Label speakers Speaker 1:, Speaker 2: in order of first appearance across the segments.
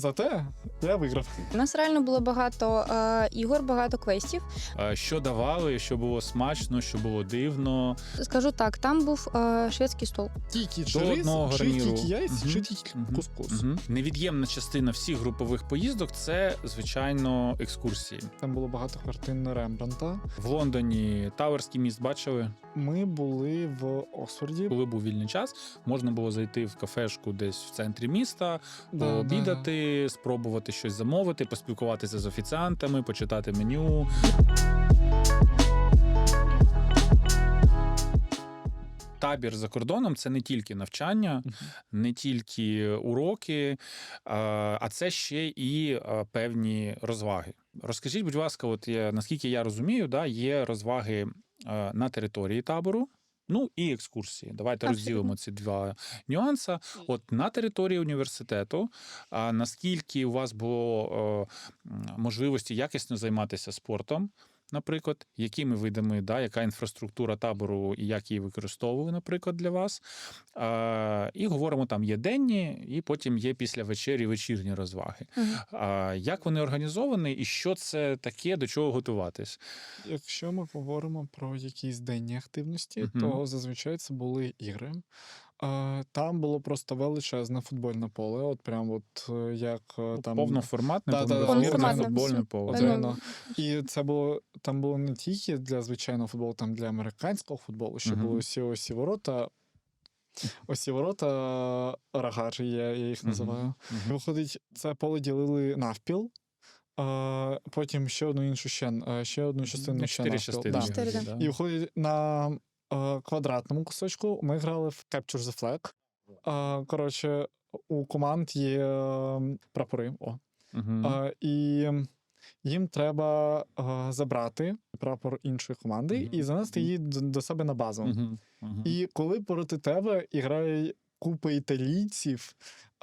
Speaker 1: Зате я виграв.
Speaker 2: У нас реально було багато ігор, багато квестів.
Speaker 3: Що давали, що було смачно, що було дивно.
Speaker 2: Скажу так, там був шведський стол.
Speaker 1: Тільки
Speaker 3: До одного
Speaker 1: рис,
Speaker 3: гарніру.
Speaker 1: тільки яйця,
Speaker 3: Мгм.
Speaker 1: тільки
Speaker 3: Мгм.
Speaker 1: кускус.
Speaker 3: Невід'ємна частина всіх групових поїздок – це, звичайно, екскурсії.
Speaker 1: Там було багато картин Рембрандта.
Speaker 3: В Лондоні Тауерський міст бачили.
Speaker 1: Ми були в Оксфорді.
Speaker 3: Коли був вільний час, можна було зайти в кафешку десь в центрі міста,
Speaker 1: Да,
Speaker 3: пообідати, спробувати щось замовити, поспілкуватися з офіціантами, почитати меню. Табір за кордоном – це не тільки навчання, не тільки уроки, а це ще і певні розваги. Розкажіть, будь ласка, наскільки я розумію, є розваги на території табору, ну і екскурсії. Давайте
Speaker 2: Абсолютно.
Speaker 3: розділимо ці два нюанси. От на території університету, наскільки у вас було можливості якісно займатися спортом, наприклад, якими видами, яка інфраструктура табору і як її використовували, наприклад, для вас. І говоримо, там є денні, і потім є після вечері вечірні розваги. Як вони організовані і що це таке, до чого готуватись?
Speaker 1: Якщо ми говоримо про якісь денні активності,
Speaker 3: Мгм.
Speaker 1: то зазвичай це були ігри. Там було просто величезне футбольне поле, от прям як там...
Speaker 3: Повноформатне,
Speaker 1: Да-да-да,
Speaker 2: повноформатне.
Speaker 3: футбольне поле.
Speaker 1: От
Speaker 2: Ну,
Speaker 1: реально. І це було, там було не тільки для звичайного футболу, там для американського футболу, ще
Speaker 3: Мгм.
Speaker 1: були усі ворота. Ось ці ворота Рагаджі, я їх називаю.
Speaker 3: Мгм.
Speaker 1: Виходить, це поле ділили навпіл, потім ще одну іншу ще одну частину ще
Speaker 3: 4
Speaker 1: навпіл.
Speaker 3: частини.
Speaker 1: Да.
Speaker 2: Чотири, да.
Speaker 3: Да.
Speaker 1: І виходить, на квадратному кусочку ми грали в Capture the Flag. Коротше, у команд є прапори.
Speaker 3: Мгм.
Speaker 1: І їм треба забрати прапор іншої команди і занести її до себе на базу.
Speaker 3: Мгм. Мгм.
Speaker 1: І коли проти тебе грає купа італійців,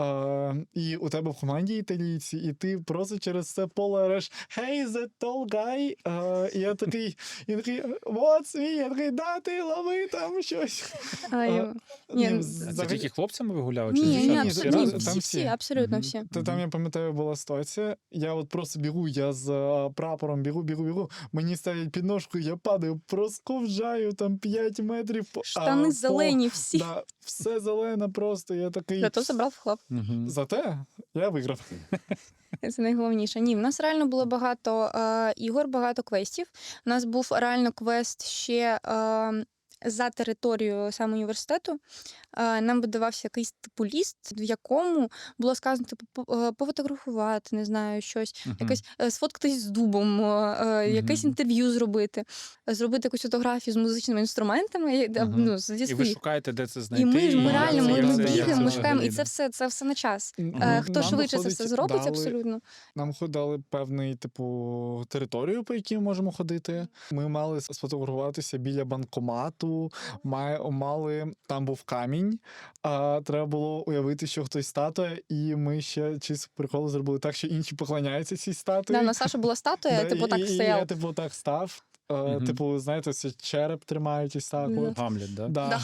Speaker 1: і у тебе в команді італійці, і ти просто через це поле ореш «Hey, the tall guy!» І я такий, «What's me?» Я такий, «Да, ти лови там щось!»
Speaker 2: Ні,
Speaker 3: Це тільки хлопцями ви гуляли? Чи
Speaker 2: Ні,
Speaker 3: дівчатами?
Speaker 2: ні,
Speaker 3: Всі
Speaker 2: абсолютно,
Speaker 3: разом?
Speaker 1: там
Speaker 2: всі,
Speaker 1: всі.
Speaker 2: абсолютно
Speaker 3: Мгм.
Speaker 2: всі.
Speaker 1: Там, я пам'ятаю, була ситуація, я от просто бігу, я з прапором бігу, мені ставлять підножку, я падаю, просковжаю там 5 метрів.
Speaker 2: Штани зелені всі.
Speaker 1: Да, все зелене просто, я такий...
Speaker 2: Зато забрав хлоп.
Speaker 3: Мгм.
Speaker 1: Зате я виграв.
Speaker 2: Це найголовніше. Ні, в нас реально було багато ігор, багато квестів. У нас був реально квест ще за територією саме університету. Нам видавався якийсь типу ліст, в якому було сказано пофотографувати, не знаю, щось,
Speaker 3: Мгм.
Speaker 2: якось сфоткатись з дубом, якесь інтерв'ю зробити якусь фотографію з музичними інструментами,
Speaker 3: Мгм.
Speaker 2: зі
Speaker 3: І ви
Speaker 2: своїх.
Speaker 3: шукаєте, де це
Speaker 2: І
Speaker 3: знайти.
Speaker 2: ми
Speaker 1: як
Speaker 2: реально
Speaker 1: це-
Speaker 2: ми
Speaker 1: як це-
Speaker 2: бігаємо,
Speaker 1: як
Speaker 2: ми
Speaker 1: це
Speaker 2: шукаємо, і
Speaker 3: взагалі,
Speaker 2: це все на час.
Speaker 1: Нам
Speaker 2: Хто швидше це
Speaker 1: виходить,
Speaker 2: все зробить,
Speaker 1: дали-
Speaker 2: абсолютно.
Speaker 1: Нам дали певний, територію, по якій ми можемо ходити. Ми мали сфотографуватися біля банкомату, мали, там був камінь, треба було уявити, що хтось статуя, і ми ще чисто прикол зробили так, що інші поклоняються цій статуї.
Speaker 2: Да, на Саша була статуя,
Speaker 1: Да,
Speaker 2: так
Speaker 1: і
Speaker 2: стояв.
Speaker 1: я, так став.
Speaker 3: Мгм.
Speaker 1: Знаєте, це череп тримають ось так.
Speaker 2: Да.
Speaker 1: от.
Speaker 3: Гамлет, да?
Speaker 1: Да.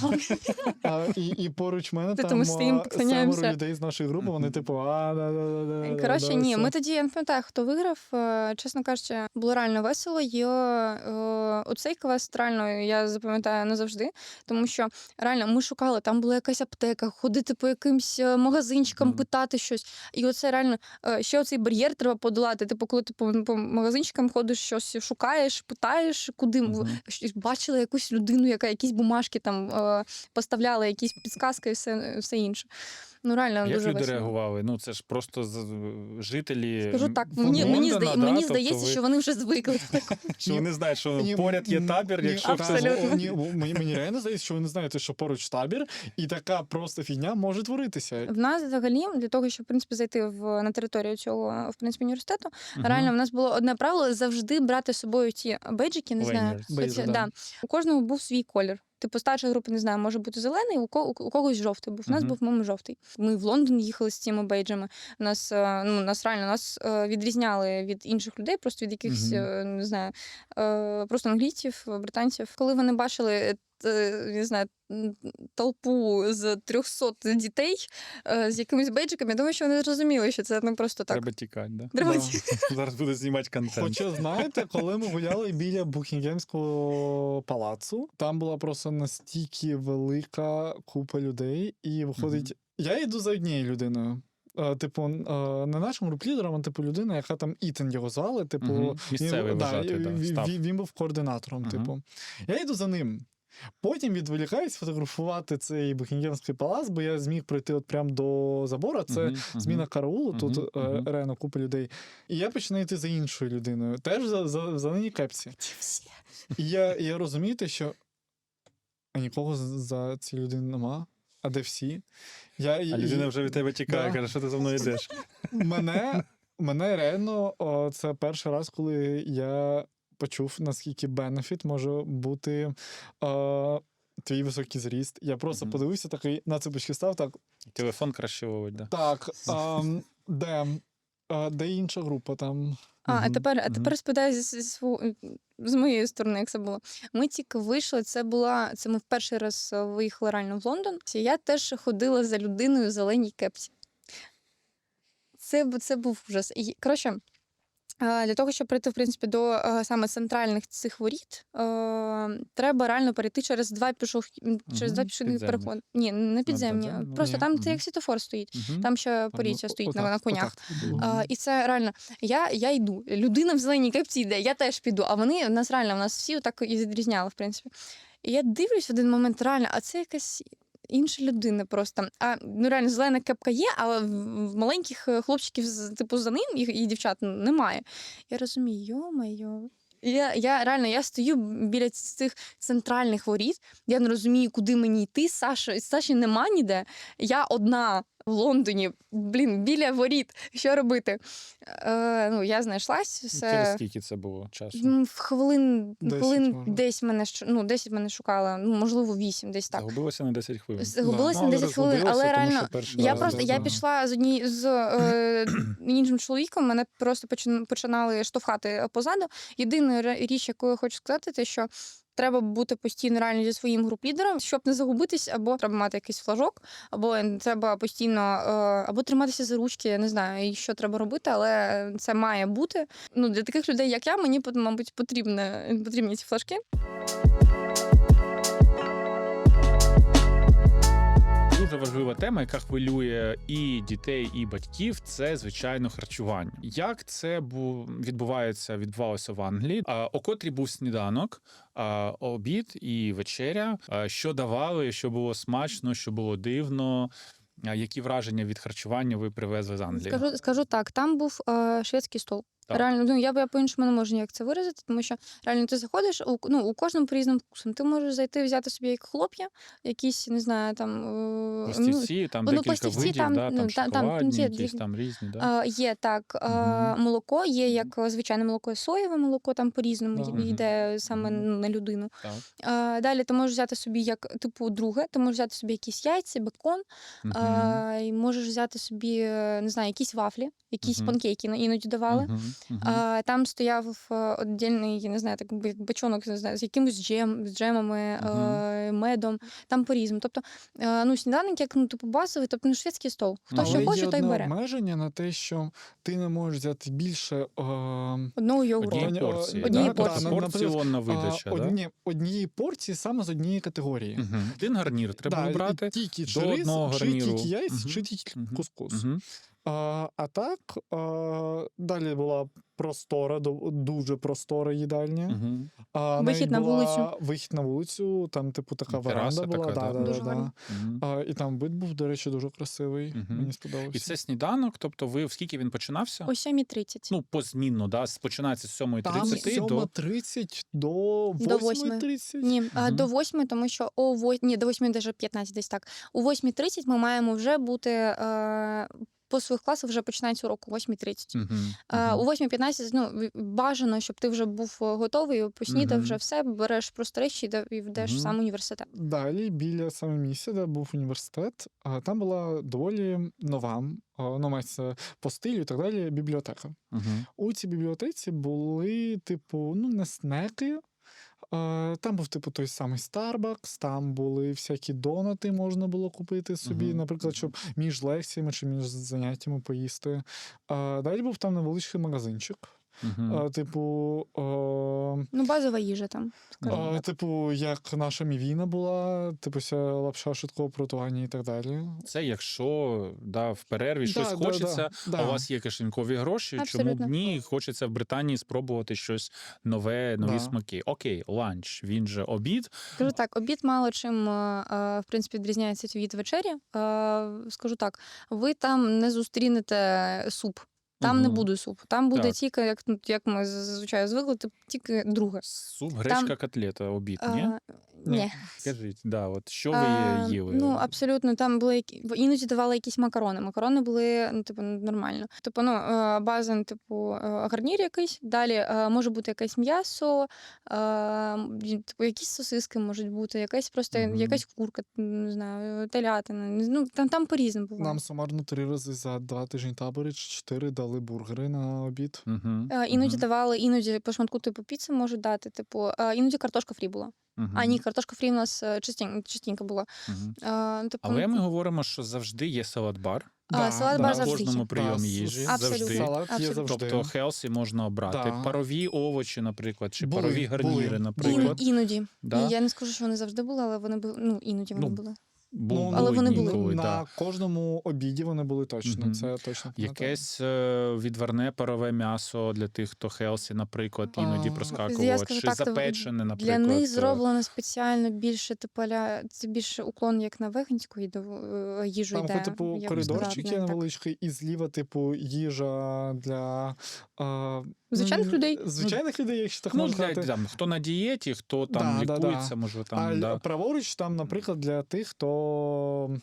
Speaker 1: І поруч мене
Speaker 2: Ти
Speaker 1: там
Speaker 2: тому стоїм, поклоняємося.
Speaker 1: 7 людей з нашої групи, вони
Speaker 2: Коротше, ні, ми тоді, я не пам'ятаю, хто виграв, чесно кажучи, було реально весело, і оцей квест реально я запам'ятаю назавжди, тому що реально ми шукали, там була якась аптека, ходити по якимсь магазинчикам, питати щось, і оце реально, ще оцей бар'єр треба подолати, коли ти по магазинчикам ходиш, щось шукаєш, питаєш, куди, бачила якусь людину, яка якісь бумажки там поставляла, якісь підсказки і все інше. Ну, реально,
Speaker 3: Як
Speaker 2: дуже
Speaker 3: люди
Speaker 2: весело.
Speaker 3: реагували? Це ж просто жителі
Speaker 2: Скажу так,
Speaker 3: Лондона,
Speaker 2: мені
Speaker 3: тобто
Speaker 2: здається, що вони вже звикли.
Speaker 3: що вони знають, що
Speaker 1: Ні,
Speaker 3: поряд є табір, якщо
Speaker 2: абсолютно.
Speaker 1: Мені реально здається, що ви не знаєте, що поруч табір, і така просто фігня може творитися.
Speaker 2: В нас взагалі, для того, щоб в принципі зайти на територію цього в принципі університету, реально в нас було одне правило завжди брати з собою ті бейджики, не знаю.
Speaker 1: Бейджі,
Speaker 2: Да.
Speaker 1: да.
Speaker 2: У кожного був свій колір. Старша група, не знаю, може бути зелений, у когось жовтий був. У нас був, по-моєму, жовтий. Ми в Лондон їхали з цими бейджами. Нас відрізняли від інших людей, просто від якихось, не знаю, просто англійців, британців. Коли вони бачили не знаю, толпу з 300 дітей з якимись бейджиками. Я думаю, що вони зрозуміли, що це не просто так.
Speaker 3: Треба тікати, да?
Speaker 2: Треба
Speaker 1: Да.
Speaker 2: тікати.
Speaker 3: Зараз буде знімати контент.
Speaker 1: Хоча, знаєте, коли ми гуляли біля Букінгемського палацу, там була просто настільки велика купа людей, і виходить, я йду за однією людиною. Типу, не нашим груп-лідером, а типу людина, яка там Ітан його звали. Типу,
Speaker 3: Мгм. Місцевий вважати, да, став.
Speaker 1: він був координатором.
Speaker 3: Мгм.
Speaker 1: Типу. Я йду за ним. Потім відволікаюсь фотографувати цей Букінгемський палац, бо я зміг пройти от прямо до забору. Це зміна караулу, тут реально купа людей. І я починаю йти за іншою людиною, теж в зеленій кепці. І я розумію те, що нікого за ці людини нема, а де всі?
Speaker 3: А людина вже від тебе тікає,
Speaker 1: Да.
Speaker 3: каже, що ти за мною йдеш.
Speaker 1: Мене реально, це перший раз, коли я почув, наскільки бенефіт може бути твій високий зріст. Я просто подивився, такий на цепочки став, так.
Speaker 3: Телефон краще ловить, да?
Speaker 1: Так, де інша група там?
Speaker 2: А тепер розповідаю з моєї сторони, як це було. Ми тільки вийшли, це ми в перший раз виїхали реально в Лондон. Я теж ходила за людиною в зеленій кепці. Це був ужас. І, коротше, для того, щоб прийти, в принципі, до саме центральних цих воріт, треба реально перейти через два пішохідних переходи. Ні, не підземні.
Speaker 3: підземні?
Speaker 2: Просто
Speaker 1: Ні.
Speaker 2: там як світофор стоїть. Там ще поліція стоїть на конях.
Speaker 1: Отак.
Speaker 2: І це реально, я йду, людина в зеленій кепці йде, я теж піду, а вони, нас всі так і відрізняли, в принципі. І я дивлюсь в один момент, реально, а це якась інша людина просто. Реально, зелена кепка є, але в маленьких хлопчиків, типу, за ним і дівчат немає. Я розумію, йо-майо. Я стою біля цих центральних воріт, я не розумію, куди мені йти. Саші нема ніде. Я одна в Лондоні, біля воріт. Що робити? Я знайшлась.
Speaker 3: Через скільки це було часу?
Speaker 2: В хвилин
Speaker 1: 10
Speaker 2: може. 10 мене шукала, можливо, 8, десь так.
Speaker 3: Загубилося на 10 хвилин.
Speaker 2: Загубилася
Speaker 3: Ну,
Speaker 2: на
Speaker 3: але
Speaker 2: 10 хвилин, але
Speaker 3: розгубилася, тому
Speaker 2: реально,
Speaker 3: що перший раз,
Speaker 2: я пішла з іншим чоловіком, мене просто починали штовхати позаду. Єдина річ, яку я хочу сказати, те, що треба бути постійно реально зі своїм груп-лідером, щоб не загубитись, або треба мати якийсь флажок, або треба постійно або триматися за ручки, я не знаю, що треба робити, але це має бути. Для таких людей, як я, мені, мабуть, потрібні ці флажки.
Speaker 3: Дуже важлива тема, яка хвилює і дітей, і батьків, це, звичайно, харчування. Як це відбувалося в Англії? О котрій був сніданок, обід і вечеря? Що давали, що було смачно, що було дивно? Які враження від харчування ви привезли з Англії?
Speaker 2: Скажу так, там був шведський стол.
Speaker 3: Так.
Speaker 2: Реально, я по-іншому не можу ніяк це виразити, тому що реально ти заходиш, у кожному по різним вкусам. Ти можеш зайти, взяти собі як хлоп'я, якісь, не знаю, там...
Speaker 3: Пластівці, там декілька
Speaker 2: пластівці,
Speaker 3: видів, там шоколадні,
Speaker 2: є,
Speaker 3: якісь там різні, да?
Speaker 2: Є так, молоко, є як звичайне молоко, соєве молоко, там по-різному йде саме на людину.
Speaker 3: Так.
Speaker 2: Далі ти можеш взяти собі як, типу, друге, ти можеш взяти собі якісь яйця, бекон, і можеш взяти собі, не знаю, якісь вафлі, якісь панкейки іноді давали. Там стояв віддільний, я не знаю, так як бочонок, не знаю, з якимось джемами, медом, там по-різному. Тобто, сніданок, як типу базовий, тобто шведський стол. Хто що хоче, той бере.
Speaker 1: Є обмеження на те, що ти не можеш взяти більше
Speaker 2: одного йогурту.
Speaker 3: Однієї порції,
Speaker 2: Однієї
Speaker 3: да?
Speaker 2: порції.
Speaker 3: Тобто порціонна видача, да?
Speaker 1: Однієї порції саме з однієї категорії.
Speaker 3: Один гарнір треба вибрати.
Speaker 1: Тільки
Speaker 3: до
Speaker 1: рис,
Speaker 3: одного
Speaker 1: чи
Speaker 3: гарніру.
Speaker 1: тільки яйць, чи тільки кускус. А так, далі була дуже простора їдальня.
Speaker 2: Вихід на вулицю.
Speaker 1: Вихід на вулицю, там, типу, така
Speaker 3: Тераса
Speaker 1: веранда була.
Speaker 3: така, да.
Speaker 2: Дуже гарно.
Speaker 1: І там вид був, до речі, дуже красивий. Мені сподобався.
Speaker 3: І це сніданок, тобто ви в скільки він починався?
Speaker 2: О 7:30.
Speaker 3: Позмінно, да? Починається з 7:30
Speaker 1: Там з 7:30 до 8:30.
Speaker 2: Ні, до 8, тому що до 8, навіть 15, десь так. О 8:30 ми маємо вже бути... По своїх класах вже починається урок о 8:30. У 8:15 бажано, щоб ти вже був готовий, поснідав вже все, береш просто речі і йдеш в сам університет.
Speaker 1: Далі, біля саме місця, де був університет, там була доволі нова, мається по стилю і так далі, бібліотека. У цій бібліотеці були, типу, не снеки, Там був, типу, той самий Starbucks, там були всякі донати, можна було купити собі,
Speaker 3: Мгм.
Speaker 1: наприклад, щоб між лекціями чи між заняттями поїсти. Далі був там невеличкий магазинчик.
Speaker 3: Мгм.
Speaker 1: Типу,
Speaker 2: Ну, базова їжа там, скажімо так.
Speaker 1: типу, як наша мівіна була, типу, вся лапша швидкого приготування і так далі.
Speaker 3: Це якщо в перерві щось
Speaker 1: Да,
Speaker 3: хочеться,
Speaker 1: да.
Speaker 3: а у вас є кишенькові гроші, чому б
Speaker 2: Абсолютно.
Speaker 3: ні? Хочеться в Британії спробувати щось нове, нові
Speaker 1: Да.
Speaker 3: смаки. Окей, ланч, він же обід.
Speaker 2: Скажу так, обід мало чим, в принципі, відрізняється від вечері. Скажу так, ви там не зустрінете суп. Там не
Speaker 3: Мгм.
Speaker 2: буде суп. Там буде
Speaker 3: Так.
Speaker 2: тільки, як ми зазвичай звикли, тільки друге.
Speaker 3: Суп, гречка, котлета, обід, ні?
Speaker 2: Ні.
Speaker 3: Скажіть, от що ви їли?
Speaker 2: Ну, абсолютно, там були іноді давали якісь макарони. Макарони були, ну, типу, нормально. Типу, ну, база, ну, типу, гарнір якийсь. Далі може бути якесь м'ясо, типу, якісь сосиски можуть бути, якась просто
Speaker 3: Мгм.
Speaker 2: якась курка, не знаю, телятина. Ну, там по-різному буває.
Speaker 1: Нам сумарно 3 рази за 2 тижні табори чи 4 дали бургери на обід.
Speaker 3: Мгм.
Speaker 2: Іноді
Speaker 3: Мгм.
Speaker 2: давали, іноді по шматку типу піци можуть дати, типу, іноді картошка фрі була.
Speaker 3: Мгм.
Speaker 2: А ні, картошка фрі у нас частенько була.
Speaker 3: Мгм.
Speaker 2: Типу,
Speaker 3: Але ми говоримо, що завжди є салат-бар.
Speaker 2: салат-бар
Speaker 3: На
Speaker 2: завжди
Speaker 3: кожному
Speaker 2: є.
Speaker 3: прийомі їжі.
Speaker 2: Абсолютно.
Speaker 3: Завжди.
Speaker 1: Салат є
Speaker 2: Абсолютно.
Speaker 1: завжди.
Speaker 3: Тобто хелсі можна обрати.
Speaker 1: Да.
Speaker 3: Парові овочі, наприклад, чи
Speaker 1: Були,
Speaker 3: парові гарніри,
Speaker 1: були.
Speaker 3: наприклад.
Speaker 2: Іноді.
Speaker 3: Да?
Speaker 2: Я не скажу, що вони завжди були, але вони були. Ну, іноді вони
Speaker 3: Ну,
Speaker 2: були.
Speaker 3: Були
Speaker 2: вони
Speaker 3: дні,
Speaker 2: були.
Speaker 3: коли,
Speaker 1: на
Speaker 3: да.
Speaker 1: кожному обіді вони були точно.
Speaker 3: Мгм.
Speaker 1: Це точно пам'ятаю.
Speaker 3: Якесь відварне парове м'ясо для тих, хто хелсі, наприклад, іноді
Speaker 1: Я
Speaker 3: проскакувало,
Speaker 2: скажу
Speaker 3: чи
Speaker 2: так, то
Speaker 3: запечене,
Speaker 2: Для
Speaker 3: наприклад.
Speaker 2: них зроблено спеціально більше, типу, це більше уклон як на веганську їжу
Speaker 1: Там,
Speaker 2: йде.
Speaker 1: типу,
Speaker 2: я б
Speaker 1: коридорчик
Speaker 2: сказала,
Speaker 1: є
Speaker 2: так.
Speaker 1: невеличкий, і зліва, типу, їжа для
Speaker 2: Звичайних людей.
Speaker 1: Звичайних людей, якщо так
Speaker 3: Ну,
Speaker 1: можна
Speaker 3: для,
Speaker 1: сказати.
Speaker 3: там, хто на дієті, хто там
Speaker 1: Да, да,
Speaker 3: лікується,
Speaker 1: да.
Speaker 3: може
Speaker 1: А
Speaker 3: там. Да.
Speaker 1: праворуч там, наприклад, для тих, хто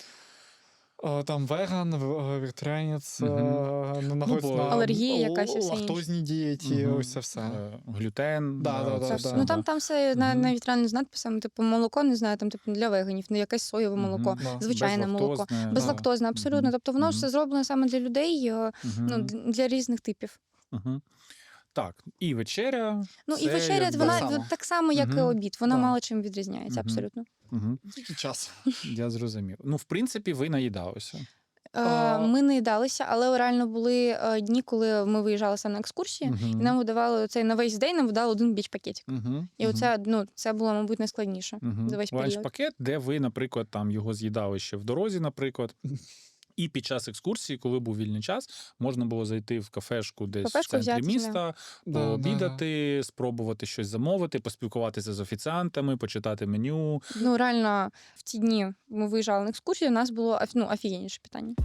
Speaker 1: там веган, вегетаріанець,
Speaker 3: Мгм.
Speaker 1: знаходиться
Speaker 3: бо-
Speaker 1: на
Speaker 2: Алергія якась і все інше.
Speaker 1: лактозній дієті,
Speaker 3: Мгм.
Speaker 1: ось це все.
Speaker 3: Глютен.
Speaker 1: Да, да,
Speaker 3: це
Speaker 1: да,
Speaker 3: все,
Speaker 1: да.
Speaker 2: Ну там все
Speaker 3: Мгм.
Speaker 2: навіть реально з надписами, типу, молоко, не знаю, там типу для веганів, ну якесь соєве
Speaker 3: Мгм.
Speaker 2: молоко,
Speaker 1: Да.
Speaker 2: звичайне молоко.
Speaker 3: Безлактозне, да.
Speaker 2: Безлактозне, абсолютно.
Speaker 3: Мгм.
Speaker 2: Тобто воно
Speaker 3: Мгм.
Speaker 2: все зроблено саме для людей, ну,
Speaker 3: Мгм.
Speaker 2: для різних типів.
Speaker 3: Мгм. Так, і вечеря.
Speaker 2: Ну і
Speaker 3: це
Speaker 2: вечеря,
Speaker 3: якби-
Speaker 2: вона
Speaker 1: само.
Speaker 2: так само, як і
Speaker 3: Мгм.
Speaker 2: обід. Вона
Speaker 1: Да.
Speaker 2: мало чим відрізняється,
Speaker 3: Мгм.
Speaker 2: абсолютно.
Speaker 3: Мгм.
Speaker 1: Тільки час.
Speaker 3: Я зрозумів. Ну, в принципі, ви наїдалися.
Speaker 2: Ми не їдалися, але реально були дні, коли ми виїжджали саме на екскурсії, і нам видавали цей на весь день, нам видали один біч-пакетик. І оце, ну, це було, мабуть, найскладніше за весь період.
Speaker 3: Ланч-пакет, де ви, наприклад, там його з'їдали ще в дорозі, наприклад. І під час екскурсії, коли був вільний час, можна було зайти в кафешку десь в центрі
Speaker 2: взяти,
Speaker 3: міста,
Speaker 1: Да,
Speaker 3: пообідати, спробувати щось замовити, поспілкуватися з офіціантами, почитати меню.
Speaker 2: Ну, реально, в ті дні ми виїжджали на екскурсію, у нас було офігенніше питання.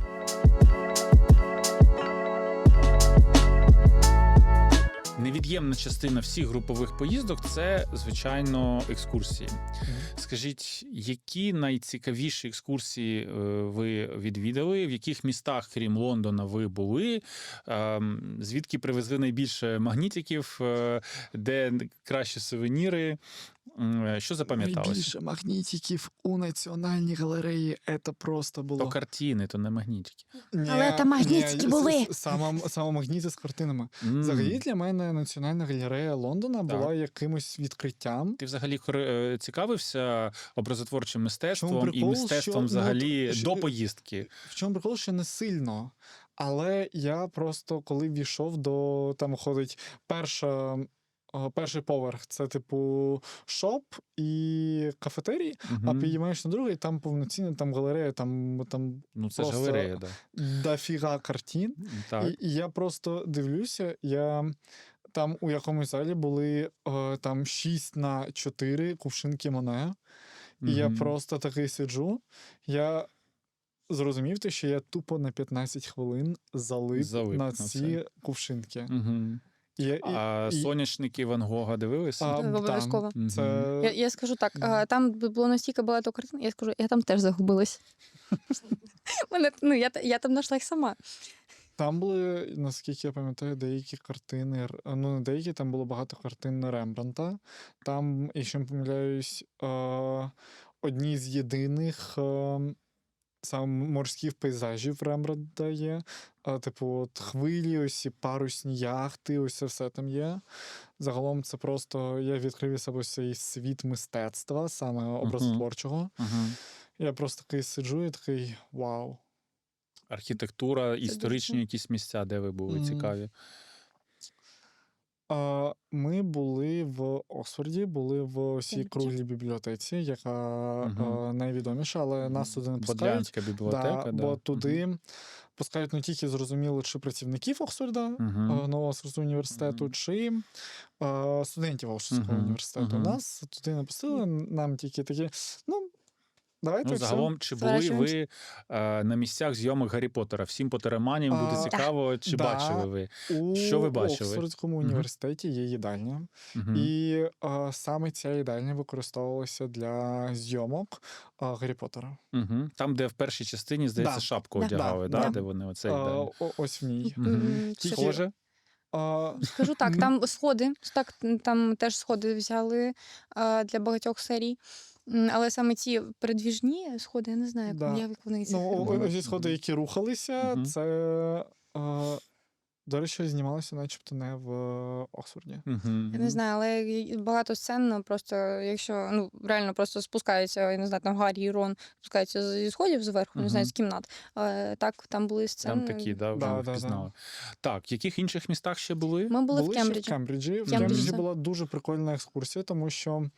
Speaker 3: Невід'ємна частина всіх групових поїздок це, звичайно, екскурсії. Скажіть, які найцікавіші екскурсії ви відвідали? В яких містах, крім Лондона, ви були? Звідки привезли найбільше магнітиків? Де кращі сувеніри? Що запам'яталося?
Speaker 1: Найбільше магнітиків у Національній галереї, це просто було.
Speaker 3: То картини, то не магнітики.
Speaker 2: Але там магнітики були.
Speaker 1: Саме магніти з картинами. Взагалі для мене Національна галерея Лондона була якимось відкриттям.
Speaker 3: Ти взагалі цікавився образотворчим мистецтвом і
Speaker 1: прикол,
Speaker 3: мистецтвом
Speaker 1: що,
Speaker 3: взагалі
Speaker 1: що-
Speaker 3: до поїздки?
Speaker 1: В чому прикол, що не сильно. Але я просто, коли війшов до, там ходить перший поверх, це типу шоп і кафетерій, а підіймаєш на другий, там повноцінна там галерея, там
Speaker 3: Ну, це ж
Speaker 1: просто
Speaker 3: галерея, да.
Speaker 1: дофіга картин.
Speaker 3: Так.
Speaker 1: І я просто дивлюся, там у якомусь залі були там 6х4 кувшинки Моне, і я просто такий сиджу, я зрозумів те, що я тупо на 15 хвилин залип на
Speaker 3: на
Speaker 1: ці
Speaker 3: це.
Speaker 1: кувшинки.
Speaker 3: Угу. А соняшники Ван Гога дивилися?
Speaker 2: Обов'язково.
Speaker 1: Це...
Speaker 2: Я скажу так, там було настільки багато картин, я скажу, я там теж загубилась. Я там знайшла їх сама.
Speaker 1: Там були, наскільки я пам'ятаю, деякі картини, ну не деякі, там було багато картин Рембрандта. Там, якщо не помиляюсь, одні з єдиних саме морських пейзажів Рембрандта є. Типу, от хвилі, ось ці парусні яхти, ось це все там є. Загалом це просто я відкрив для себе цей світ мистецтва, саме образотворчого. Я просто такий сиджу і такий вау.
Speaker 3: Архітектура, історичні
Speaker 2: дуже.
Speaker 3: якісь місця, де ви були цікаві.
Speaker 1: Ми були в Оксфорді, були в цій
Speaker 2: Кембриджі.
Speaker 1: круглій бібліотеці, яка найвідоміша, але нас туди не пускають.
Speaker 3: Бодлянська бібліотека,
Speaker 1: Бо туди пускають не тільки зрозуміло, чи працівників Оксфорда, нового Оксфордського університету, чи студентів Оксфордського університету. Нас туди не пустили, нам тільки такі, давайте все.
Speaker 3: Загалом, чи були ви на місцях зйомок Гаррі Поттера? Всім потероманіям буде цікаво, чи бачили ви? Що ви бачили?
Speaker 1: У Оксфордському університеті є їдальня, і саме ця їдальня використовувалася для зйомок Гаррі Поттера.
Speaker 3: Там, де в першій частині, здається, шапку одягали, де вони оцей день.
Speaker 1: Ось в ній.
Speaker 3: Схоже?
Speaker 2: Скажу так, там сходи, там теж сходи взяли для багатьох серій. Але саме ці передвіжні сходи, я не знаю, як вони це.
Speaker 1: Ці сходи, які рухалися, це, до речі, знімалося начебто не в Оксфорді.
Speaker 2: Я не знаю, але багато сцен просто, якщо, реально просто спускаються, я не знаю, там Гаррі і Рон спускаються зі сходів зверху, не знаю, з кімнат. Так, там були сцени.
Speaker 3: Там такі, ви впізнали. Так, в яких інших містах ще були?
Speaker 2: Ми були в
Speaker 1: Кембриджі. В Кембриджі була дуже прикольна екскурсія, тому що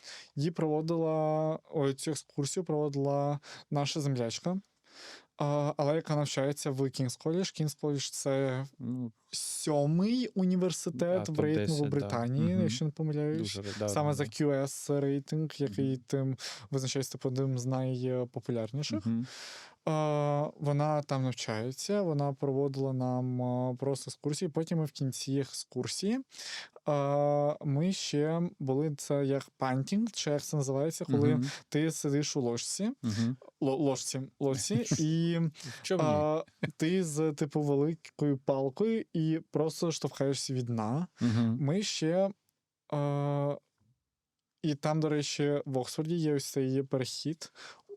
Speaker 1: цю екскурсію проводила наша землячка, але яка навчається в Кінгс Коледж. Кінгс Коледж – це 7-й університет в рейтингу Британії, якщо не помиляюсь. Саме за QS рейтинг, який тим визначається одним з найпопулярніших. Вона там навчається, вона проводила нам просто екскурсії. Потім ми в кінці екскурсії ми ще були, це як пантінг, чи як це називається, коли ти сидиш у ложці, і ти з типу великою палкою і просто штовхаєшся від дна. Ми ще і там, до речі, в Оксфорді є ось цей перехід,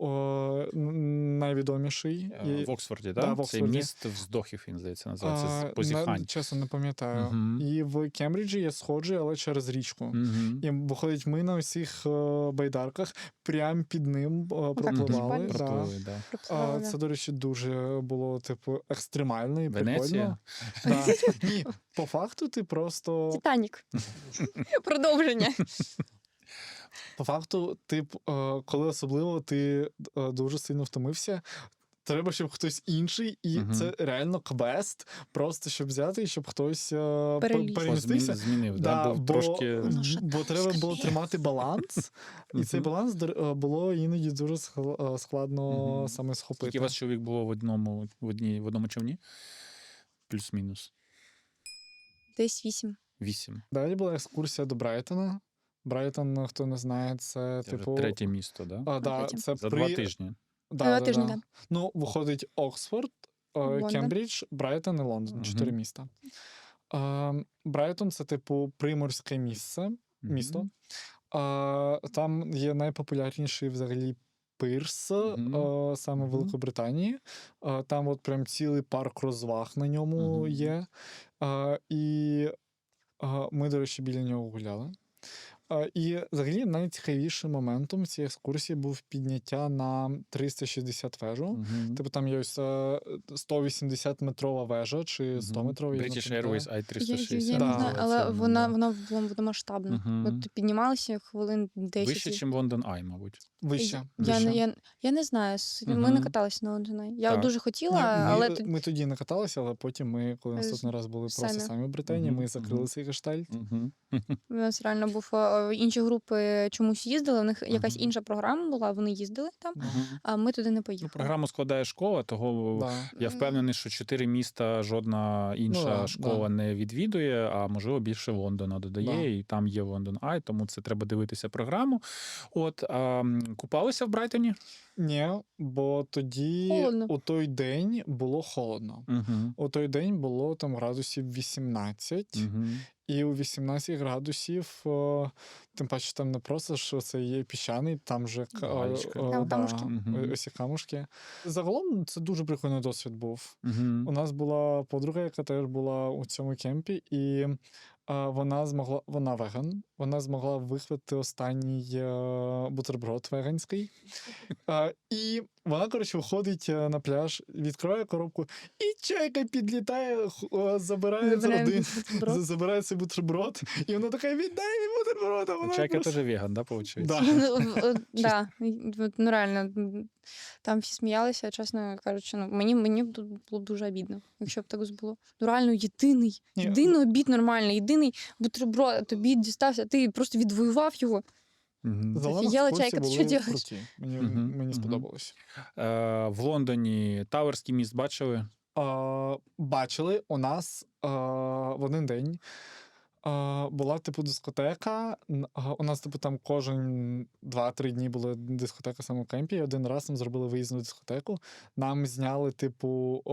Speaker 1: найвідоміший.
Speaker 3: В Оксфорді, так?
Speaker 1: Да, в Оксфорді.
Speaker 3: Це міст вздохів, він, здається, називається, позіхань.
Speaker 1: Чесно, не пам'ятаю. І в Кембриджі є сходжі, але через річку. І виходить, ми на усіх байдарках прямо під ним пропливали. Це, до речі, дуже було, екстремально і
Speaker 3: Венеція?
Speaker 1: прикольно. Ні, по факту ти просто...
Speaker 2: Титанік. Продовження.
Speaker 1: По факту, коли особливо ти дуже сильно втомився, треба, щоб хтось інший, і це реально квест, просто щоб взяти, і щоб хтось перемістився.
Speaker 3: Змінив,
Speaker 1: бо треба було тримати баланс, і цей баланс було іноді дуже складно саме схопити.
Speaker 3: Скільки у вас чоловік було в одному човні? Плюс-мінус?
Speaker 2: Десь 8.
Speaker 3: 8.
Speaker 1: Далі була екскурсія до Брайтона. Брайтон, хто не знає, це
Speaker 3: третє місто, так?
Speaker 1: Це
Speaker 3: за 2 тижні.
Speaker 2: Тижні, так.
Speaker 1: Виходить Оксфорд, Кембридж, Брайтон і Лондон. 4 міста. Брайтон – це, приморське місто. Там є найпопулярніший взагалі пирс, саме в Великобританії. Там прям цілий парк розваг на ньому є. І ми, до речі, біля нього гуляли. І взагалі найцікавішим моментом цієї екскурсії був підняття на 360 вежу. Там є ось 180-метрова вежа чи 100-метрова.
Speaker 3: British Airways I-360.
Speaker 2: Я не знаю, але вона масштабна. От піднімалися хвилин 10.
Speaker 3: Вище, ніж Лондон Ай, мабуть.
Speaker 1: Вище.
Speaker 2: Я не знаю, ми не каталися на Лондон Ай. Я дуже хотіла, але...
Speaker 1: Ми тоді не каталися, але потім ми, коли наступний раз були просто самі в Британії, ми закрили цей гештальт.
Speaker 2: У нас реально був інші групи чомусь їздили, у них якась інша програма була, вони їздили там, а ми туди не поїхали.
Speaker 3: Програму складає школа, того я впевнений, що 4 міста жодна інша школа не відвідує, а можливо більше Лондона додає, і там є Лондон Ай, тому це треба дивитися програму. Купалися в Брайтоні?
Speaker 1: Ні, бо тоді
Speaker 2: холодно.
Speaker 1: У той день було холодно. У той день було там градусів 18. і у 18 градусів, тим паче там не просто, що це є піщаний, там же
Speaker 3: Галечка.
Speaker 2: Там камушки.
Speaker 3: Мгм.
Speaker 1: ось ці камушки. Загалом це дуже прикольний досвід був.
Speaker 3: Мгм.
Speaker 1: У нас була подруга, яка теж була у цьому кемпі, і вона веган, вона змогла вихвати останній бутерброд веганський. І вона, коротше, виходить на пляж, відкриває коробку, і чайка підлітає, забирає забирає цей бутерброд, і вона така, віддай мій бутерброд, а вона
Speaker 3: Чайка
Speaker 1: просто...
Speaker 3: теж веган, да, виходить?
Speaker 1: Да.
Speaker 2: Да, ну реально, там всі сміялися, чесно кажучи, ну мені було б дуже обідно, якщо б так було. Ну реально єдиний обід нормальний, єдиний бутерброд тобі дістався, ти просто відвоював його.
Speaker 3: Мгм.
Speaker 1: Загалом
Speaker 2: Офігела
Speaker 1: екскурсії
Speaker 2: чайка, ти
Speaker 1: були
Speaker 2: що делаєш?
Speaker 1: круті. Мені
Speaker 3: Мгм.
Speaker 1: сподобалось.
Speaker 3: В Лондоні Тауерський міст бачили?
Speaker 1: Бачили, у нас в один день була типу дискотека. У нас, типу, там кожен 2-3 дні була дискотека саме в кемпі. І один раз нам зробили виїзну дискотеку. Нам зняли, типу,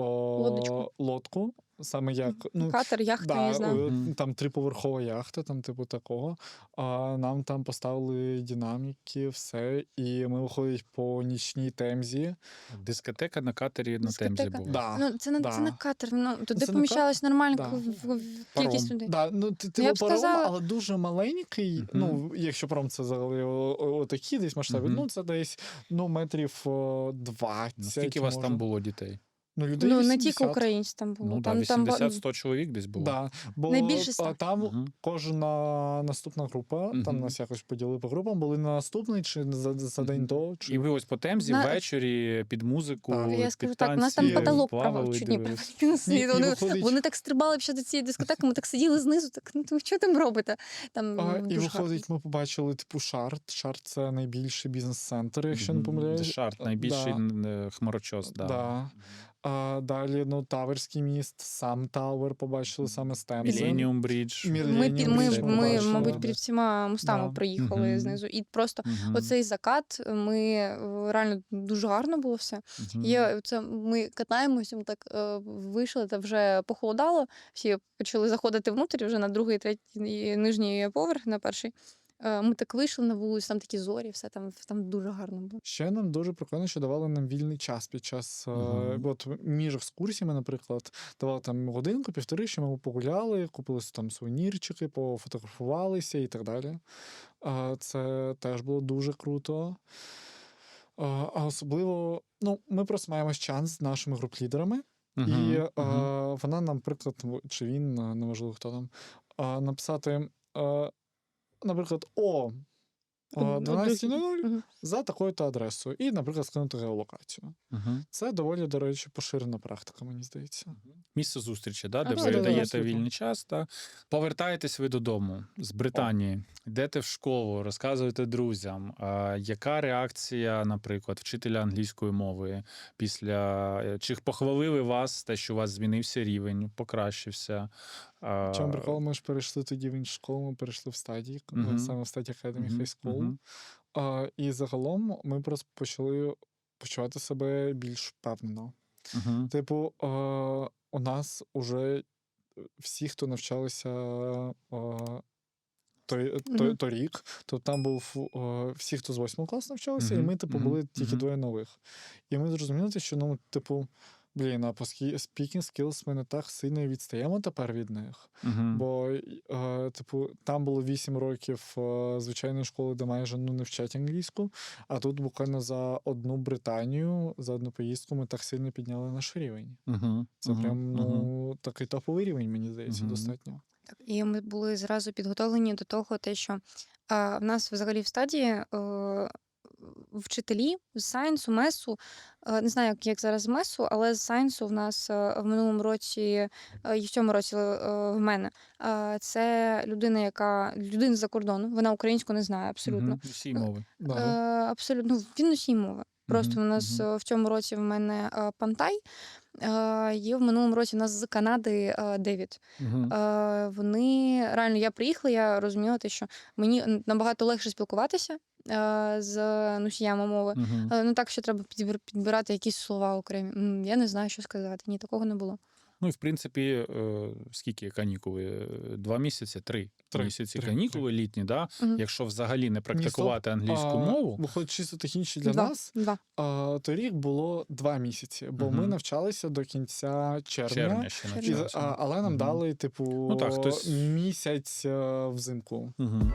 Speaker 1: лодку. Саме як. Ну,
Speaker 2: Катер, яхта, я не знаю.
Speaker 3: Мгм.
Speaker 1: Там 3-поверхова яхта, там, типу, такого. Нам там поставили динаміки, все. І ми виходять по нічній Темзі.
Speaker 3: Дискотека на катері на Темзі
Speaker 2: Дискотека.
Speaker 3: була.
Speaker 1: Да.
Speaker 2: Ну, це не
Speaker 1: да.
Speaker 2: катер, ну туди
Speaker 1: Це не
Speaker 2: поміщалась нормальна
Speaker 1: Да.
Speaker 2: кількість
Speaker 3: Паром.
Speaker 2: людей.
Speaker 1: Да, ну, ти
Speaker 2: Я б
Speaker 1: паром,
Speaker 2: сказала-
Speaker 1: але дуже маленький.
Speaker 3: Мгм.
Speaker 1: Ну, якщо паром це взагалі отакі десь масштаби,
Speaker 3: Мгм.
Speaker 1: ну це десь метрів 20.
Speaker 3: Скільки вас
Speaker 1: може.
Speaker 3: там було дітей?
Speaker 1: Ну, людей
Speaker 2: Ну, не
Speaker 1: 80.
Speaker 2: тільки українці там було.
Speaker 3: Ну, да,
Speaker 2: там
Speaker 3: 80-100 чоловік десь було.
Speaker 1: Да, бо
Speaker 2: Найбільше 100.
Speaker 1: там
Speaker 3: Мгм.
Speaker 1: кожна наступна група, там
Speaker 3: Мгм.
Speaker 1: нас якось поділили по групам, були на наступний чи за день
Speaker 3: Мгм.
Speaker 1: до. Чи...
Speaker 3: І ви ось по Темзі
Speaker 2: На-
Speaker 3: ввечері під музику,
Speaker 1: Так.
Speaker 2: Я
Speaker 3: під
Speaker 2: скажу так, у нас
Speaker 3: танці
Speaker 2: там потолок
Speaker 3: плавали,
Speaker 2: чуть не
Speaker 3: дивились.
Speaker 1: І
Speaker 2: вони,
Speaker 1: виходить-
Speaker 2: вони так стрибали ще до цієї дискотеки, ми так сиділи знизу, так ну що там робите? Там
Speaker 1: І
Speaker 2: дуже
Speaker 1: виходить, ми побачили типу Шарт. Шарт це найбільший бізнес-центр, якщо не
Speaker 3: Мгм.
Speaker 1: помиляюсь.
Speaker 3: Дешарт, найбільший хмарочос. Да.
Speaker 1: Да. Далі, ну, Таверський міст, сам Тауер побачили саме з Темзи.
Speaker 3: Millennium Bridge.
Speaker 1: Millennium
Speaker 2: Ми,
Speaker 1: Bridge
Speaker 2: ми,
Speaker 1: побачили.
Speaker 2: мабуть, під всіма мостами
Speaker 1: Да.
Speaker 2: проїхали
Speaker 3: Мгм.
Speaker 2: знизу. І просто
Speaker 3: Мгм.
Speaker 2: оцей закат, ми реально дуже гарно було все.
Speaker 3: Мгм.
Speaker 2: Ми катаємося, ми так вийшли, та вже похолодало. Всі почали заходити внутрі вже на другий, третій нижній поверх, на перший. Ми так вийшли на вулицю, там такі зорі, все там дуже гарно було.
Speaker 1: Ще нам дуже прикольно, що давали нам вільний час під час
Speaker 3: Мгм.
Speaker 1: от між екскурсіями, наприклад, давали там годинку, півтори, що ми погуляли, купили там сувенірчики, пофотографувалися і так далі. Це теж було дуже круто. А особливо, ну, ми просто маємо шанс з нашими груп-лідерами.
Speaker 3: Мгм.
Speaker 1: І
Speaker 3: Мгм.
Speaker 1: вона нам, наприклад, чи він, неважливо хто там, написати, наприклад, о 12:00
Speaker 2: Мгм.
Speaker 1: за такою-то адресою. І, наприклад, скинути геолокацію.
Speaker 3: Мгм.
Speaker 1: Це доволі, до речі, поширена практика, мені здається.
Speaker 3: Місце зустрічі, да, де ви
Speaker 2: Абсолютно.
Speaker 3: даєте
Speaker 1: Абсолютно.
Speaker 3: вільний час. Да. Повертаєтесь ви додому з Британії, йдете в школу, розказуєте друзям. Яка реакція, наприклад, вчителя англійської мови після чи похвалили вас, те, що у вас змінився рівень, покращився?
Speaker 1: В чому прикол, ми ж перейшли тоді в іншу школу, ми перейшли в стадії,
Speaker 3: Мгм.
Speaker 1: саме в стадії Academy
Speaker 3: Мгм.
Speaker 1: High School.
Speaker 3: Мгм.
Speaker 1: І загалом ми просто почали почувати себе більш впевнено.
Speaker 3: Мгм.
Speaker 1: Типу, у нас уже всі, хто навчалися
Speaker 2: Мгм.
Speaker 1: торік, то там був всі, хто з 8 класу навчалися, і
Speaker 3: Мгм.
Speaker 1: ми, типу,
Speaker 3: Мгм.
Speaker 1: були тільки
Speaker 3: Мгм.
Speaker 1: двоє нових. І ми зрозуміли, що, ну, типу, а по speaking skills ми не так сильно відстаємо тепер від них.
Speaker 3: Мгм.
Speaker 1: Бо, типу, там було 8 років звичайної школи, де майже не вчать англійську, а тут буквально за одну Британію, за одну поїздку ми так сильно підняли наш рівень.
Speaker 3: Мгм.
Speaker 1: Це
Speaker 3: Мгм.
Speaker 1: прям,
Speaker 3: Мгм.
Speaker 1: ну, такий топовий рівень, мені здається,
Speaker 3: Мгм.
Speaker 1: достатньо.
Speaker 2: Так, і ми були зразу підготовлені до того, що в нас взагалі в стадії вчителі з сайенсу, месу, не знаю, як зараз з месу, але з сайенсу в нас в минулому році і в цьому році в мене це людина з-за кордону, вона українську не знає абсолютно.
Speaker 3: Мгм. Всі мови.
Speaker 1: Да.
Speaker 2: Абсолютно, він усі мови. Просто
Speaker 3: Мгм.
Speaker 2: у нас
Speaker 3: Мгм.
Speaker 2: в цьому році в мене Пантай, є в минулому році у нас з Канади Девід.
Speaker 3: Мгм.
Speaker 2: Вони реально, я приїхала, я розуміла, що мені набагато легше спілкуватися з носіями мови.
Speaker 3: Мгм.
Speaker 2: Ну так, що треба підбирати якісь слова окремі. Я не знаю, що сказати. Ні, такого не було.
Speaker 3: Ну і в принципі, скільки канікули? 2 місяці, 3
Speaker 1: Три.
Speaker 3: місяці
Speaker 1: Три.
Speaker 3: канікули літні, да?
Speaker 2: Мгм.
Speaker 3: Якщо взагалі не практикувати
Speaker 1: Ні, стоп.
Speaker 3: англійську мову,
Speaker 1: Виходить, чисто технічно для
Speaker 2: Два.
Speaker 1: нас,
Speaker 2: Два.
Speaker 1: торік було 2 місяці, бо ми
Speaker 3: Мгм.
Speaker 1: навчалися до кінця червня.
Speaker 3: червня ще
Speaker 2: Червня.
Speaker 3: навчався.
Speaker 1: Але нам
Speaker 3: Мгм.
Speaker 1: дали, типу,
Speaker 3: Ну так, хтось-
Speaker 1: місяць взимку.
Speaker 3: Мгм.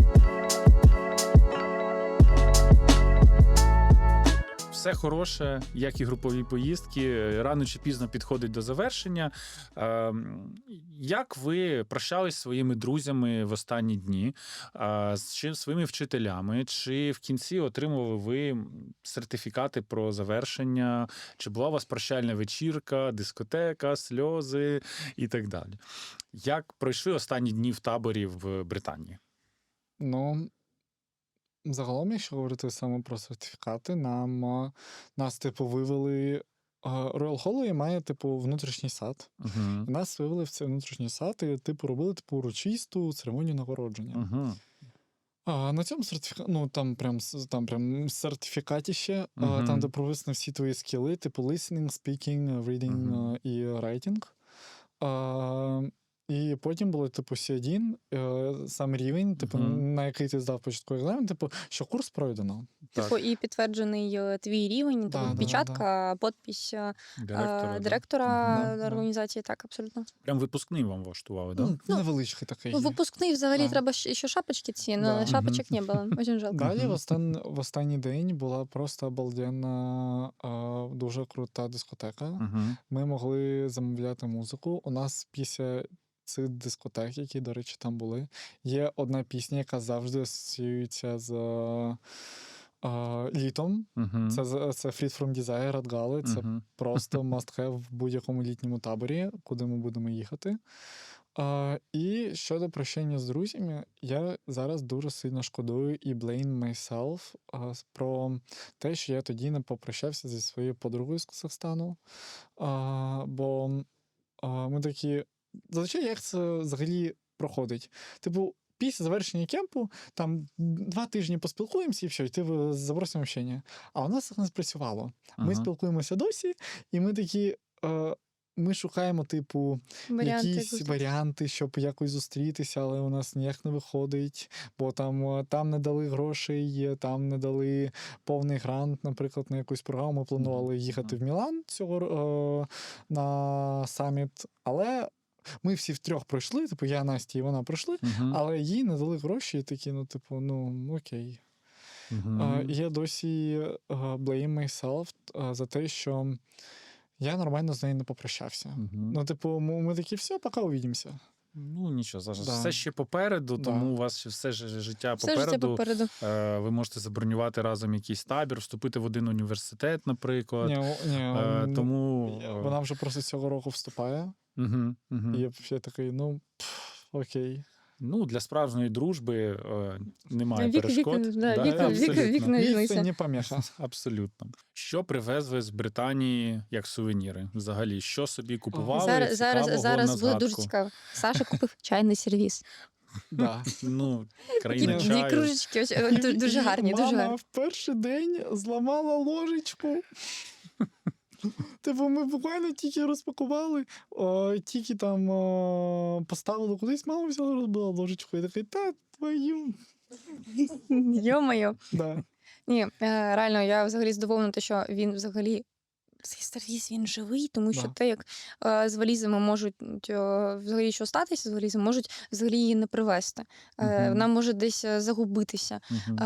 Speaker 3: Все хороше, як і групові поїздки, рано чи пізно підходить до завершення. Як ви прощались зі своїми друзями в останні дні, з своїми вчителями? Чи в кінці отримували ви сертифікати про завершення? Чи була у вас прощальна вечірка, дискотека, сльози і так далі? Як пройшли останні дні в таборі в Британії?
Speaker 1: Ну, загалом, якщо говорити саме про сертифікати, нас, типу, вивели. Royal Holloway має, типу, внутрішній сад.
Speaker 3: Угу.
Speaker 1: І нас вивели в цей внутрішній сад і, типу, робили, типу, урочисту церемонію нагородження.
Speaker 3: Угу.
Speaker 1: На цьому там прям сертифікатіще,
Speaker 3: Мгм.
Speaker 1: там, де прописані всі твої скіли, типу listening, speaking, reading
Speaker 3: Мгм.
Speaker 1: і writing. І потім було, типу, C1, сам рівень, типу,
Speaker 3: Мгм.
Speaker 1: на який ти здав початковий екзамен, типу, що курс пройдено.
Speaker 2: Типу, і підтверджений твій рівень,
Speaker 1: Да,
Speaker 2: типу,
Speaker 1: да,
Speaker 2: печатка, підпись
Speaker 3: Директора.
Speaker 2: директора
Speaker 1: Да, да.
Speaker 2: організації, так, абсолютно.
Speaker 3: Прям випускний вам влаштували, так? Да?
Speaker 1: Ну, невеличкий такий.
Speaker 2: Ну, випускний взагалі
Speaker 1: Да.
Speaker 2: треба ще шапочки ці, але
Speaker 1: Да.
Speaker 2: шапочок не було, дуже жалко.
Speaker 1: Далі
Speaker 3: Мгм.
Speaker 1: в останній день була просто обалденна, дуже крута дискотека.
Speaker 3: Угу.
Speaker 1: Ми могли замовляти музику. У нас після цих дискотек, які, до речі, там були, є одна пісня, яка завжди асоціюється з літом.
Speaker 3: Угу.
Speaker 1: Це Freed from Desire Red Gala. Це просто must have в будь-якому літньому таборі, куди ми будемо їхати. І щодо прощання з друзями, я зараз дуже сильно шкодую і blame myself про те, що я тоді не попрощався зі своєю подругою з Казахстану. Бо ми такі. Зазвичай як це взагалі проходить? Типу, після завершення кемпу, там 2 тижні поспілкуємося і все, і ти забросимо общення. А у нас це не спрацювало. Ми спілкуємося досі, і ми такі. Ми шукаємо, типу, якісь варіанти, щоб якось зустрітися, але у нас ніяк не виходить, бо там не дали грошей, там не дали повний грант, наприклад, на якусь програму. Ми планували їхати в Мілан на саміт, але ми всі втрьох пройшли, типу, я, Настя і вона пройшли, але їй не дали гроші, і такі, окей. І я досі blame myself за те, що я нормально з нею не попрощався. Ми такі, все, поки увидимося.
Speaker 3: Ну, нічого, зараз
Speaker 1: Да.
Speaker 3: все ще попереду,
Speaker 1: Да.
Speaker 3: тому у вас ще все життя
Speaker 2: Все
Speaker 3: попереду.
Speaker 2: життя попереду.
Speaker 3: Ви можете забронювати разом якийсь табір, вступити в один університет, наприклад. Тому...
Speaker 1: Вона вже просто цього року вступає. І я ще такий, окей.
Speaker 3: Ну, для справжньої дружби немає
Speaker 2: Вік,
Speaker 3: перешкод.
Speaker 2: вік не
Speaker 1: Це
Speaker 2: різниця.
Speaker 1: не поміха.
Speaker 3: Абсолютно. Що привезли з Британії як сувеніри? Взагалі, що собі купували?
Speaker 2: Зараз
Speaker 3: на
Speaker 2: буде дуже
Speaker 3: згадку?
Speaker 2: цікаво. Саша купив чайний сервіс.
Speaker 1: Да.
Speaker 3: Ну,
Speaker 2: Такі
Speaker 3: країна
Speaker 2: дві
Speaker 3: чаю.
Speaker 2: кружечки, дуже гарні, дуже
Speaker 1: Мама
Speaker 2: гарні.
Speaker 1: в перший день зламала ложечку. Типу, ми буквально тільки розпакували, тільки там поставили кудись, мама взяла, розбила ложечку. І такий, та твою.
Speaker 2: Йо-моє.
Speaker 1: Да.
Speaker 2: Ні, реально, я взагалі здивована, що він взагалі. Цей сервіс, він живий, тому що
Speaker 1: Да.
Speaker 2: те, як з валізами можуть взагалі що статися з валізами, можуть взагалі її не привезти. Вона може десь загубитися.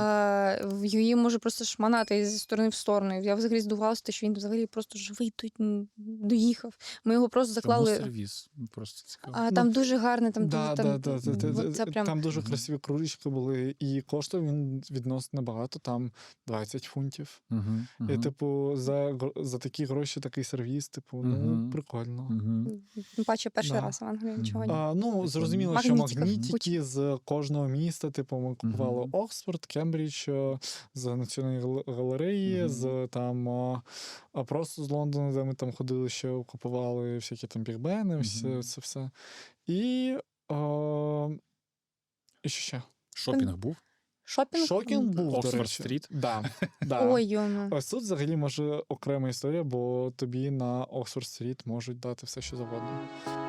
Speaker 2: Її може просто шманати зі сторони в сторону. Я взагалі здивувалася, що він взагалі просто живий тут доїхав. Ми його просто заклали.
Speaker 3: Чому сервіс? Просто цікаво.
Speaker 2: Там дуже гарне, там
Speaker 1: Да,
Speaker 2: дуже
Speaker 1: да.
Speaker 2: це прям...
Speaker 1: Там дуже красиві кружечки були, і коштував він відносно небагато, там 20 фунтів. І, типу, за такі гроші такий сервіс, типу, прикольно.
Speaker 2: Тим паче перший
Speaker 1: Да.
Speaker 2: раз в Англії нічого ні.
Speaker 1: Зрозуміло, що
Speaker 2: Магнітиків
Speaker 1: магнітики з кожного міста, типу, ми купували Оксфорд, Кембридж, з Національної галереї, з там просто з Лондона, де ми там ходили, ще купували всякі там бігбени, це все. І що ще?
Speaker 3: Шопінг був?
Speaker 2: Шопінг?
Speaker 1: Шокінг був, до
Speaker 3: Оксфорд
Speaker 1: речі.
Speaker 3: Стріт.
Speaker 1: Да, да.
Speaker 2: Ой, йону.
Speaker 1: Ось тут взагалі може окрема історія, бо тобі на Оксфорд Стріт можуть дати все, що завгодно.